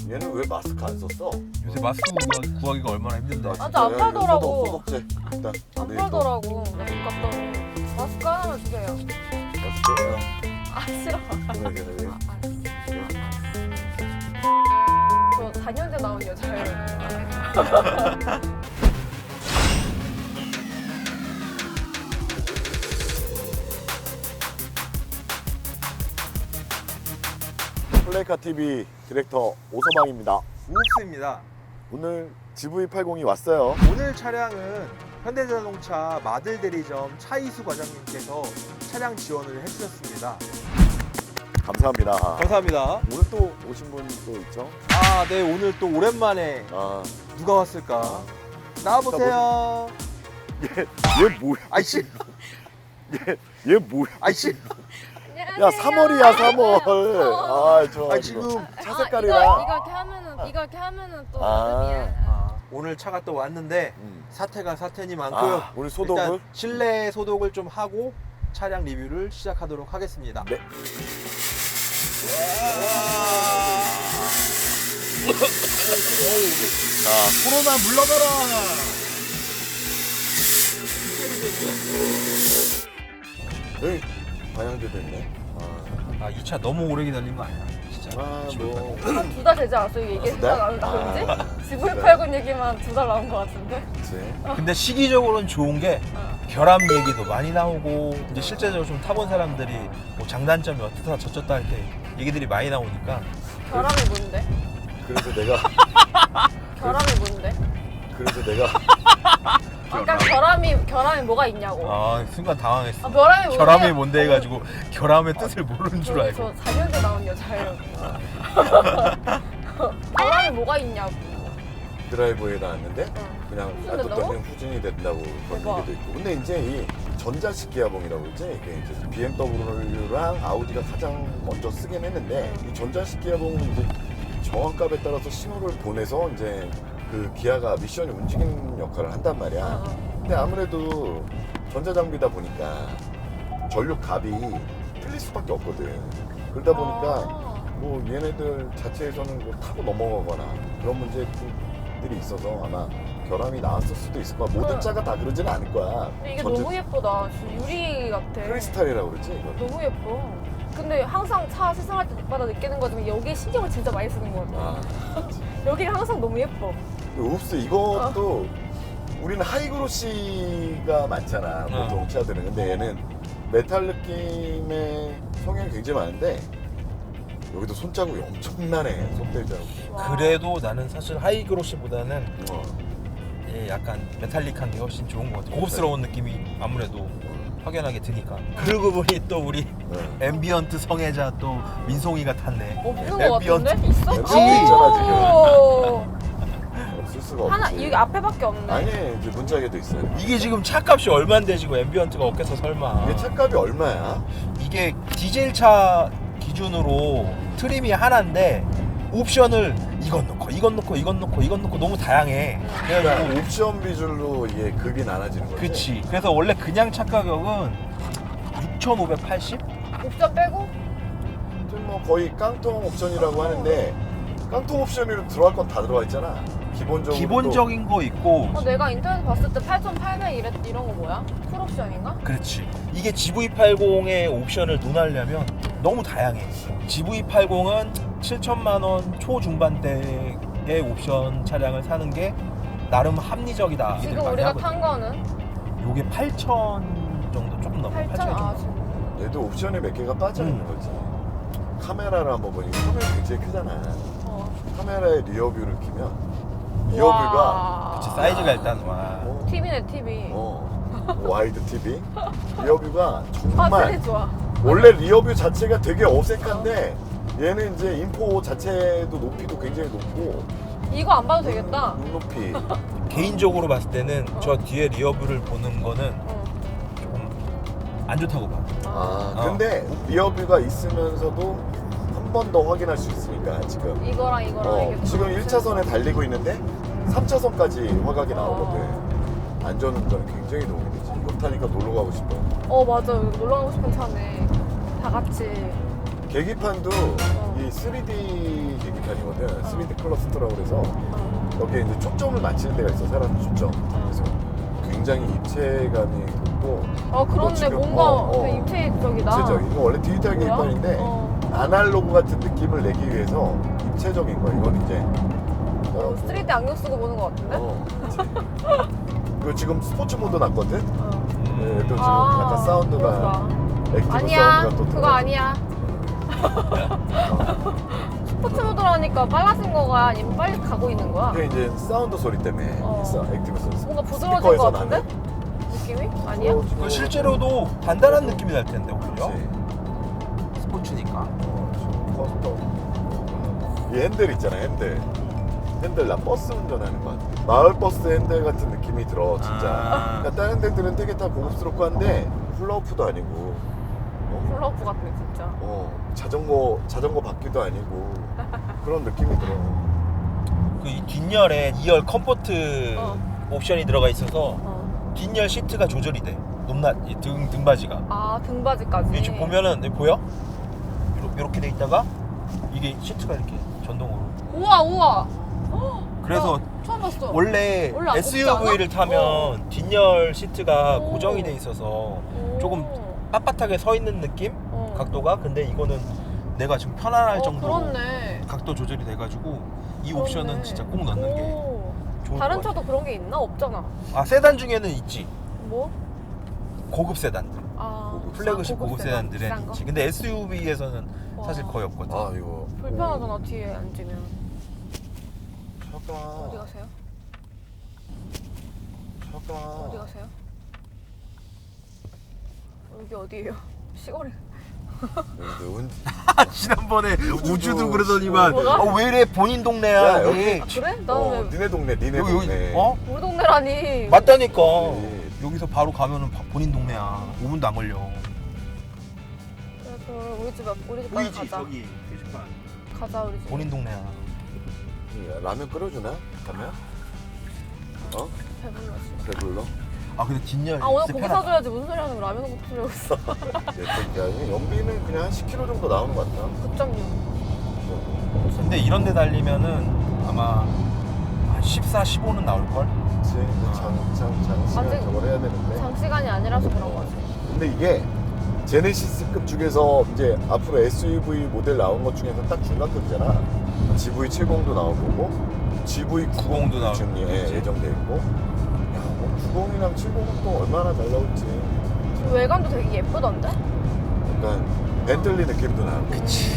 얘는 왜 마스크 안 썼어? 요새 마스크 구하기가 얼마나 힘든데. 맞아, 안 팔더라고. 소독제 일단 안 팔더라고. 나 집 갔더니 마스크 하나만 주세요. 마스크 아 싫어. 그래 저 4년째 나온 여자예요. 플레이카 TV 디렉터 오서방입니다. 우욱스입니다. 오늘 GV80이 왔어요. 오늘 차량은 현대자동차 마들 대리점 차이수 과장님께서 차량 지원을 해주셨습니다. 감사합니다. 감사합니다. 오늘 또 오신 분 또 있죠? 아, 네, 오늘 또 오랜만에 아, 누가 왔을까? 나와보세요. 얘 뭐야? 아이씨, 얘 뭐야? 아이씨. 야 3월이야 3월. 아, 좋아. 아, 지금 차 아, 색깔이랑. 이거 이렇게 하면은 또 아. 여름이야. 오늘 차가 또 왔는데 사태가 사태니만큼 아, 오늘 소독을? 일단 실내 소독을 좀 하고 차량 리뷰를 시작하도록 하겠습니다. 네. 자, 코로나 물러가라. 여기 방향제도 있네. 아, 이 차 너무 오래 기다린 거 아니야? 진짜. 뭐. 두 달 되지 않았어? 이게 두 달? 나온지? 아, GV80 얘기만 2달 나온 것 같은데? 그치. 근데 시기적으로는 좋은 게 결함 얘기도 많이 나오고 이제 실제적으로 좀 타본 사람들이 뭐 장단점이 어떻다 저쩌다 할 때 얘기들이 많이 나오니까 결함이 뭔데? 그래서 내가 결함이 뭔데? 아까 결함이 뭐가 있냐고. 아 순간 당황했어. 아, 결함이 뭔데? 결함이 뭔데 해가지고 결함의 뜻을 모르는 줄 알고. 저 4년째 나온 여자예요. 결함이 뭐가 있냐고. 드라이브에 나왔는데 응. 그냥 후진된다고? 놔뒀더니 후진이 된다고 그런 대박. 얘기도 있고. 근데 이제 이 전자식 기아봉이라고 그러지? 이게 이제 BMW랑 아우디가 가장 먼저 쓰긴 했는데 이 전자식 기아봉은 이제 정확값에 따라서 신호를 보내서 이제 그 기아가 미션이 움직이는 역할을 한단 말이야. 근데 아무래도 전자장비다 보니까 전력 값이 틀릴 수밖에 없거든. 그러다 보니까 뭐 얘네들 자체에서는 뭐 타고 넘어가거나 그런 문제들이 있어서 아마 결함이 나왔을 수도 있을 거야. 모든 차가 다 그러지는 않을 거야. 근데 이게 너무 예쁘다. 진짜 유리 같아. 크리스탈이라고 그러지 이거. 너무 예뻐. 근데 항상 차 세상할 때마다 느끼는 거지만 여기에 신경을 진짜 많이 쓰는 것 같아. 아, 여기가 항상 너무 예뻐. 옵스 이것도 우리는 하이그로시가 많잖아 보통 차들은. 근데 얘는 메탈 느낌의 성향이 굉장히 많은데 여기도 손자국이 엄청나네. 손대자국. 와. 그래도 나는 사실 하이그로시보다는 어. 약간 메탈릭한 게 훨씬 좋은 것 같아. 고급스러운 느낌이 아무래도 확연하게 드니까. 그러고 보니 또 우리 네. 앰비언트 성애자 또 민송이가 탔네. 없는 것 같은데? 있어? 있지. 있잖아, 지금. 오. 없을 수가 없지. 하나 여기 앞에밖에 없네. 아니 이제 문짝에도 있어요. 이게 지금 차값이 얼마인데 지금 앰비언트가 없겠어 설마. 이게 차값이 얼마야? 이게 디젤 차 기준으로 트림이 하나인데 옵션을 이건 넣고 이건 넣고 이건 넣고 이건 넣고 너무 다양해. 그래가지고 그러니까 옵션 비줄로 이게 급이 나눠지는 거지. 그치. 그래서 원래 그냥 차 가격은 6,580? 옵션 빼고? 지금 뭐 거의 깡통 옵션이라고 하는데 깡통 옵션으로 들어갈 건 다 들어가 있잖아. 기본적으로. 기본적인 거 있고. 내가 인터넷 봤을 때 8,800 이런 거 뭐야? 풀옵션인가? 그렇지. 이게 GV80의 옵션을 논하려면 너무 다양해. GV80은 7천만 원 초중반대의 옵션 차량을 사는 게 나름 합리적이다. 얘기들 지금 많이 우리가 하거든. 탄 거는 요게 8천 정도 조금 넘어. 8,000? 8천 아, 정도. 얘도 옵션이 몇 개가 빠져 있는 거지. 카메라를 한번 보니까 카메라 굉장히 크잖아. 카메라의 리어뷰를 키면 리어뷰가 와. 그치, 사이즈가 일단 와. TV네 TV. 와이드 TV 리어뷰가 화질이 정말 좋아. 원래 리어뷰 자체가 되게 어색한데 얘는 이제 인포 자체도 높이도 굉장히 높고 이거 안 봐도 되겠다. 눈높이 개인적으로 봤을 때는 저 뒤에 리어뷰를 보는 거는 조금 안 좋다고 봐. 근데 리어뷰가 있으면서도 한 번 더 확인할 수 있으니까 지금 이거랑 이게 지금 1차선에 달리고 있는데 3차선까지 화각이 나오거든. 안전운전에 굉장히 도움이 되지. 이거 타니까 놀러 가고 싶어. 맞아. 놀러 가고 싶은 차네. 다 같이. 계기판도 이 3D 계기판이거든. 3D 클러스터라고 그래서 여기에 이제 초점을 맞추는 데가 있어. 사람 초점. 그래서 굉장히 입체감이 돋고. 그렇네. 지금, 뭔가 되게 입체적이다. 입체적. 이거 원래 디지털 뭐야? 계기판인데 아날로그 같은 느낌을 내기 위해서 입체적인 거야. 이건 이제 3D 안경 쓰고 보는 것 같은데? 그치. 그리고 지금 스포츠 모드 났거든. 네, 또 지금 아, 약간 사운드가 그렇구나. 액티브 아니야. 사운드가 또 그거 들어가고. 아니야. 스포츠 모드라니까 빨라진 거야? 아니면 빨리 가고 있는 거야? 그게 이제 사운드 소리 때문에 있어. 액티브 소리. 뭔가 부드러워진 스피커에서 것 같은데? 나는. 느낌이? 아니야? 부드러워지고. 그 실제로도 단단한 느낌이 날 텐데 오히려 그치. 스포츠니까. 이 핸들 있잖아, 핸들. 핸들 나 버스 운전하는 것 같아. 마을 버스 핸들 같은 느낌이 들어, 진짜. 그러니까 다른 데들은 되게 다 고급스럽고 한데 훌라후프도 아니고. 플러프 같네 진짜. 자전거 바퀴도 아니고 그런 느낌이 들어. 그 이 뒷열에 2열 컴포트 옵션이 들어가 있어서 뒷열 시트가 조절이 돼. 높낮 등받이가. 아 등받이까지. 이게 지금 보면은 보여? 이렇게 돼 있다가 이게 시트가 이렇게 전동으로. 우와. 그래서 나 처음 봤어. 원래 원래 안 SUV를 굽지 않아? 타면 뒷열 시트가 오. 고정이 돼 있어서 조금 오. 빳빳하게 서 있는 느낌? 각도가. 근데 이거는 내가 지금 편안할 정도로 그렇네. 각도 조절이 돼가지고 이 옵션은 그렇네. 진짜 꼭 넣는 게 오. 좋을 다른 것 같아. 차도 그런 게 있나? 없잖아. 아 세단 중에는 있지. 뭐? 고급 세단들. 아 플래그십 고급 세단, 세단들은 비싼 거? 있지. 근데 SUV에서는 와. 사실 거의 없거든. 아 이거 불편하잖아 뒤에 앉으면. 잠깐만. 어디 가세요? 잠깐만. 어디 가세요? 여기 어디예요? 시골이. 지난번에 우주도 우주도 그러더니만 뭐가? 왜 이래 본인 동네야 야, 여기. 그래? 나는 왜 니네 동네, 니네 여기, 동네. 우리 동네라니. 맞다니까. 네. 여기서 바로 가면은 본인 동네야. 5분도 안 걸려. 그래, 그럼 우리 집까지 가자. 저기 게시판. 가자 우리 집. 본인 동네야. 라면 끓여주나? 가면? 배불러. 씨. 배불러? 아 근데 뒷열 오늘 진짜 고기 편하다. 사줘야지. 무슨 소리 하는 거 라면 먹고 쓰려고 있어. 연비는 그냥 한 10km 정도 나오는 것 같다. 9.6. 근데 이런 데 달리면은 아마 한 14, 15는 나올걸? 그치. 장시간 아직 저걸 해야 되는데. 장시간이 아니라서 그런 거지. 근데 이게 제네시스급 중에서 이제 앞으로 SUV 모델 나온 것 중에서 딱 중간급이잖아. GV70도 나올 거고, GV90도 나올 지금 거고, 그치? 예정돼 있고. 야, 뭐 90이랑 70은 또 얼마나 잘 나올지. 외관도 되게 예쁘던데? 약간 벤틀리 느낌도 나고. 그치.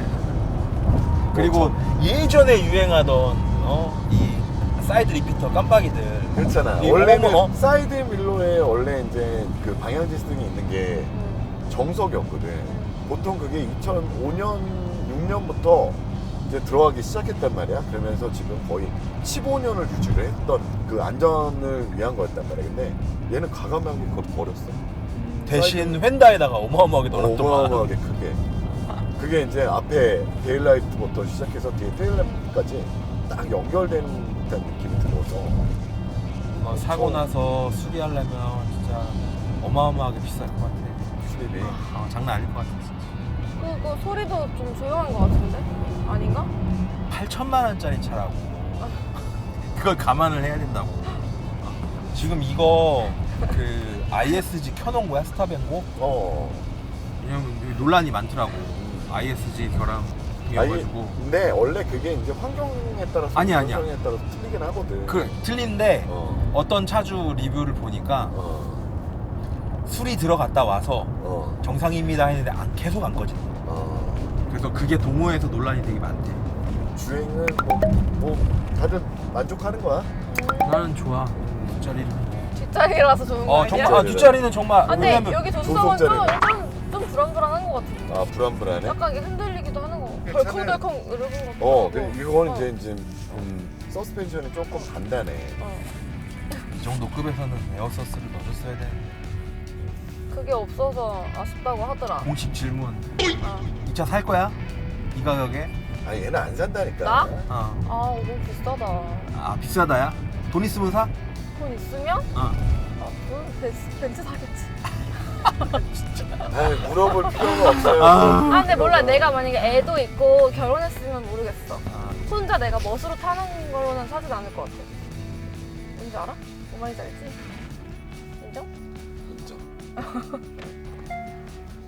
그리고 예전에 유행하던 이 사이드 리피터 깜빡이들. 그렇잖아. 이 원래는 어머, 어머. 사이드 밀러에 원래 이제 그 방향 지스등이 있는 게 정석이었거든. 보통 그게 2005년, 6년부터 이제 들어가기 시작했단 말이야. 그러면서 지금 거의 15년을 유지를 했던 그 안전을 위한 거였단 말이야. 근데 얘는 과감하게 그걸 버렸어. 대신 휀다에다가 어마어마하게 넣었더만. 어마어마하게 크게. 그게 이제 앞에 데일라이트부터 시작해서 뒤에 테일램프까지 딱 연결된 듯한 느낌이 들어서 사고 나서 수리하려면 진짜 어마어마하게 비쌀 것 같아. 수리비. 장난 아닐 것 같아. 그 소리도 좀 조용한 것 같은데? 아닌가? 8천만 원짜리 차라고. 그걸 감안을 해야 된다고. 지금 이거 그 ISG 켜놓은 거야 스탑앤고? 왜냐면 여기 논란이 많더라고. ISG 결함이어가지고. 근데 원래 그게 이제 환경에 따라서 아니야. 환경에 따라서 틀리긴 하거든. 그 틀린데 어떤 차주 리뷰를 보니까 술이 들어갔다 와서 정상입니다 했는데 계속 안 꺼진대. 그래서 그게 동호회에서 논란이 되게 많대. 주행은 뭐 다들 만족하는 거야? 나는 좋아. 뒷자리는. 뒷자리라서 좋은 거 아니야? 정말 뒷자리는 정말. 아, 근데 왜냐면 여기 조수석은 조수석자리네. 좀 불안불안한 것 같은데. 아 불안불안해? 약간 이게 흔들리기도 하는 거. 괜찮아요. 덜컹덜컹 이러는 것 같고. 이거는 이제 서스펜션이 조금 단단해. 이 정도 급에서는 에어서스를 넣어줬어야 되는데. 그게 없어서 아쉽다고 하더라. 공식 질문. 아, 이 차 살 거야? 이 가격에? 아니 얘는 안 산다니까. 나? 어. 너무 비싸다. 아 비싸다야? 돈 있으면 사? 돈 있으면? 어. 그 벤츠 사겠지. 아이, 물어볼 필요가 없어요. 아 근데 몰라. 내가 만약에 애도 있고 결혼했으면 모르겠어. 혼자 내가 멋으로 타는 거로는 사진 않을 것 같아. 뭔지 알아? 뭔 말인지 알지? 인정? 인정.